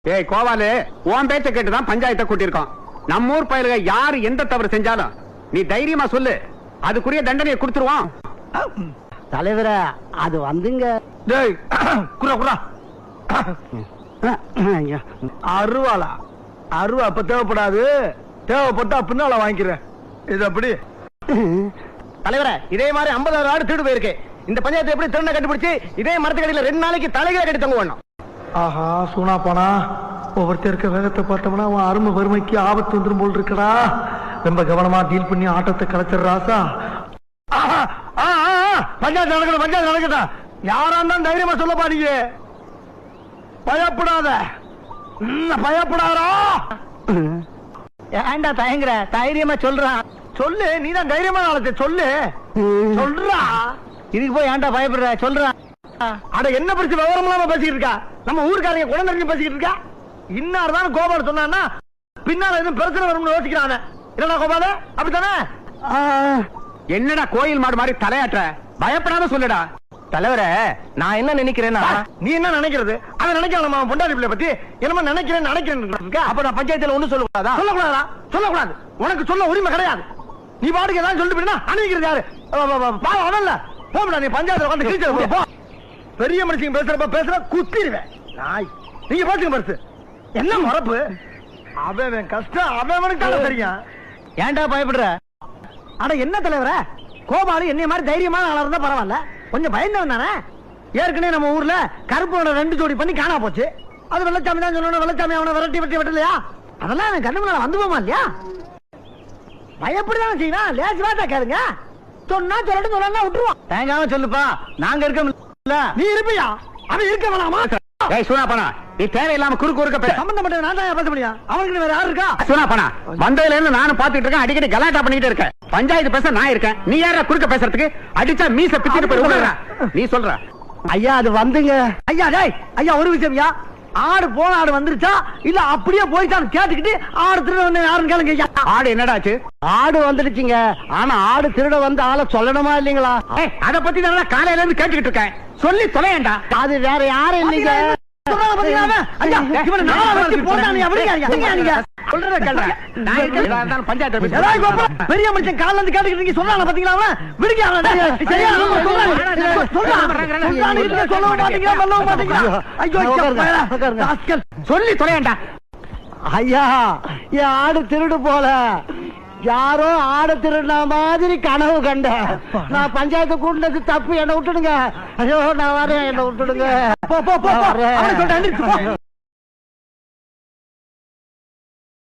ஏய் கோவாலு, உன் பேச்ச கேட்டுதான் பஞ்சாயத்தை கூட்டியிருக்கோம். நம்ம ஊர் பயலுக யாரு எந்த தவறு செஞ்சாலும் நீ தைரியமா சொல்லு, அதுக்குரிய தண்டனையை கொடுத்துருவோம். தலைவர அது வந்துங்க. டேய் குறா குறா அருவாளா? அருவா அப்ப தேவைப்படாது, தேவைப்பட்டா பின்னால வாங்கிக்கிறேன். இது அப்படி தலைவர இதே மாதிரி 50,000 ஆடு திருடு போயிருக்கு. இந்த பஞ்சாயத்து எப்படி திருண்ண கண்டுபிடிச்சு இதே மரத்துக்கடியில 2 நாளைக்கு தலைகளை கட்டி தங்க வேணும். ஆஹா சூனா போனா ஒவ்வொருத்தர் இருக்க வேகத்தை பார்த்தோம்னா அவன் அருமை வறுமைக்கு ஆபத்து வந்துடும் போல் இருக்கடா. ரொம்ப கவனமா டீல் பண்ணி ஆட்டத்தை கலைச்சிடுறாசா. பஞ்சாயத்து நடக்கணும், பஞ்சாயத்து நடக்கட்டும். யாரா இருந்தாலும் தைரியமா சொல்லப்பா. நீங்க பயப்படாத, பயப்படாரா? ஏண்டா தயங்குற? தைரியமா சொல்றான். சொல்லு, நீதான் தைரியமா நாளத்தை சொல்லு. சொல்றா. இதுக்கு போய் ஏண்டா பயப்படுற? சொல்றான். அட என்ன பிரச்சனை விவரம் இல்லாம பேசிக்கிட்டு இருக்கா? நம்ம ஊருக்காரங்க குழந்தைங்க பேசிக்கிட்டு இருக்கா. இன்னார்தான் கோபால் சொன்னா பின்னால எதுவும் பிரச்சனை வரும்னு யோசிக்கிறான. என்னடா கோபால, அப்படித்தானே? என்னடா கோயில் மாடு மாதிரி தலையாற்ற? பயப்படாம சொல்லுடா. தலைவர நான் என்ன நினைக்கிறேன்னா, நீ என்ன நினைக்கிறது? அதை நினைக்கலாம். நம்ம பொண்டாடி பிள்ளை பத்தி என்னமா நினைக்கிறேன் நினைக்கிறேன். அப்ப நான் பஞ்சாயத்துல ஒண்ணு சொல்லக்கூடாதா? சொல்லக்கூடாதா? சொல்லக்கூடாது. உனக்கு சொல்ல உரிமை கிடையாது. நீ பாட்டுக்கு ஏதாவது சொல்லிட்டு போயினா அணிவிக்கிறது யாரு? பாவம் அவன்ல. போடா நீ பஞ்சாயத்துல வந்து கிழிச்சு போ. பெரிய மனுஷங்க பேசுற குத்திடுவேன் நாய். நீங்க பாத்துங்க பரிசு என்ன மரப்பு. அவன் கஷ்டம் அவனுக்கு தானே தெரியும். ஏன்டா பயப்படுற? ஆனா என்ன தலைவர, கோபாலு என்னைய மாதிரி தைரியமான ஆளா இருந்தா பரவாயில்ல, கொஞ்சம் பயந்தவன் தானே. ஏற்கனவே நம்ம ஊர்ல கருப்போட 2 ஜோடி பண்ணி காணா போச்சு. அது வெள்ளச்சாமி தான் சொல்லணும். வெள்ளச்சாமி அவனை விரட்டி வெட்டலையா? அதெல்லாம் எனக்கு கண்ணு முன்னால வந்து போமா இல்லையா? பயப்படிதான் செய்யணும். லேசி வாட்டா கேளுங்க. சொன்னா சொல்லட்டும், சொல்லலாம் விட்டுருவான். தேங்காம சொல்லுப்பா, நாங்க இருக்கோம். நீ இருப்பியா? அவன் இருக்க வேணாமா? ஏய் சூனா பண்ணா, நீ தேவையில்லாம குறுக்க பேச. சம்பந்தப்பட்ட நான் தான் பேச முடியும். அவனுக்கு வேற யாரு இருக்கா? சூனா பண்ணா, வந்ததுல இருந்து நானும் பாத்துட்டு இருக்கேன். அடிக்கடி கலாட்டா பண்ணிட்டு இருக்கேன். பஞ்சாயத்து பேச நான் இருக்கேன். நீ யாரா குறுக்க பேசுறதுக்கு? அடிச்சா மீச பிச்சுட்டு போய் நீ சொல்ற. ஐயா அது வந்துங்க. ஐயா டேய் ஐயா, ஒரு விஷயம்யா. ஆடு போன ஆடு வந்துருச்சா இல்ல அப்படியே போயிட்டான்னு கேட்டுக்கிட்டு ஆடு திருட யாருன்னு கேளுங்க ஐயா. ஆடு என்னடாச்சு? ஆடு வந்துடுச்சுங்க. ஆனா ஆடு திருட வந்து ஆளை சொல்லணுமா இல்லீங்களா? அத பத்தி தான் காலையில இருந்து கேட்டுக்கிட்டு இருக்கேன். சொல்லி தொலையண்டா. அது வேற யாரும் இல்லைங்க. பெரிய மனுஷன் கால இருந்து கேட்டுக்கிட்டு சொல்றாங்க பாத்தீங்களா? சொல்லி தொலையண்டா. ஐயா என் ஆடு திருடு போல, யாரோ ஆடு திருடின மாதிரி கனவு கண்ட. நான் பஞ்சாயத்து கூட்டினது தப்பு, என்ன விட்டுடுங்க. ஐயோ நான் வரேன், என்ன விட்டுடுங்க.